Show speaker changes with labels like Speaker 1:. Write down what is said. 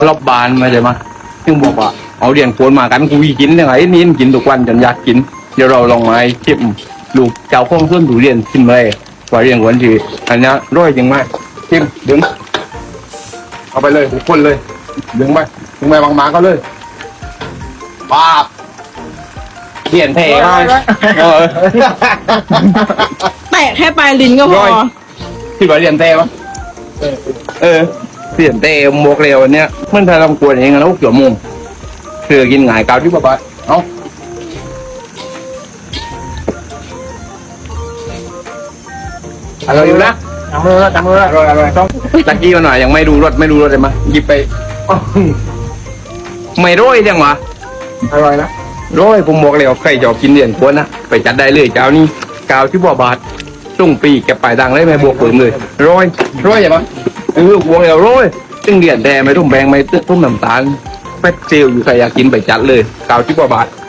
Speaker 1: รอบบานมาใช่ไหมซึ่งบอกว่าเอาเรียนโคนมากันกูกินยังไงนี่กินทุกวันจนอยากกินเดี๋ยวเราลองมาชิมลูกเจ้าของต้นทุเรียนชิมเลยว่าเรียนหวานดีอันนี้ร้อยจริงไหมชิมดึงเอาไปเลยทุกคนเลยดึงไปบางๆก็เลยป้าบเปลี่ยนเท่มาก
Speaker 2: แต่แค่ปลายลิ้นก็พอ
Speaker 1: ที่ว่าเรียนเท่ปะเปลี่ยนเท่หมวกเร็วเนี้ยมันถ้าทำกวนเองแล้วเกี่ยวมุมเสือกินง่ายกาวที่บ้าเอาอร่อยอยู่นะ
Speaker 3: จับมือ
Speaker 1: อร่อยต้องตะกี้มาหน่อยยังไม่ดูรสเลยมาหยิบไปไม่ร้อยจังวะ
Speaker 3: อร่อยนะ
Speaker 1: ร้อยผมบอกเลยว่าใครจะกินเดือนควรนะไปจัดได้เลยเจ้านี่กาวที่บ่อบาทส่งปีแกไปดังเลยไม่บวกเปิมเลยร้อยใช่ปะบวกแล้วร้อยซึ่งเดือนแดงไม่ต้องแบงไม่ตุ้มน้ำตาลแป๊ดเซลอยู่ใครอยากกินไปจัดเลยกาวที่บ่อบาท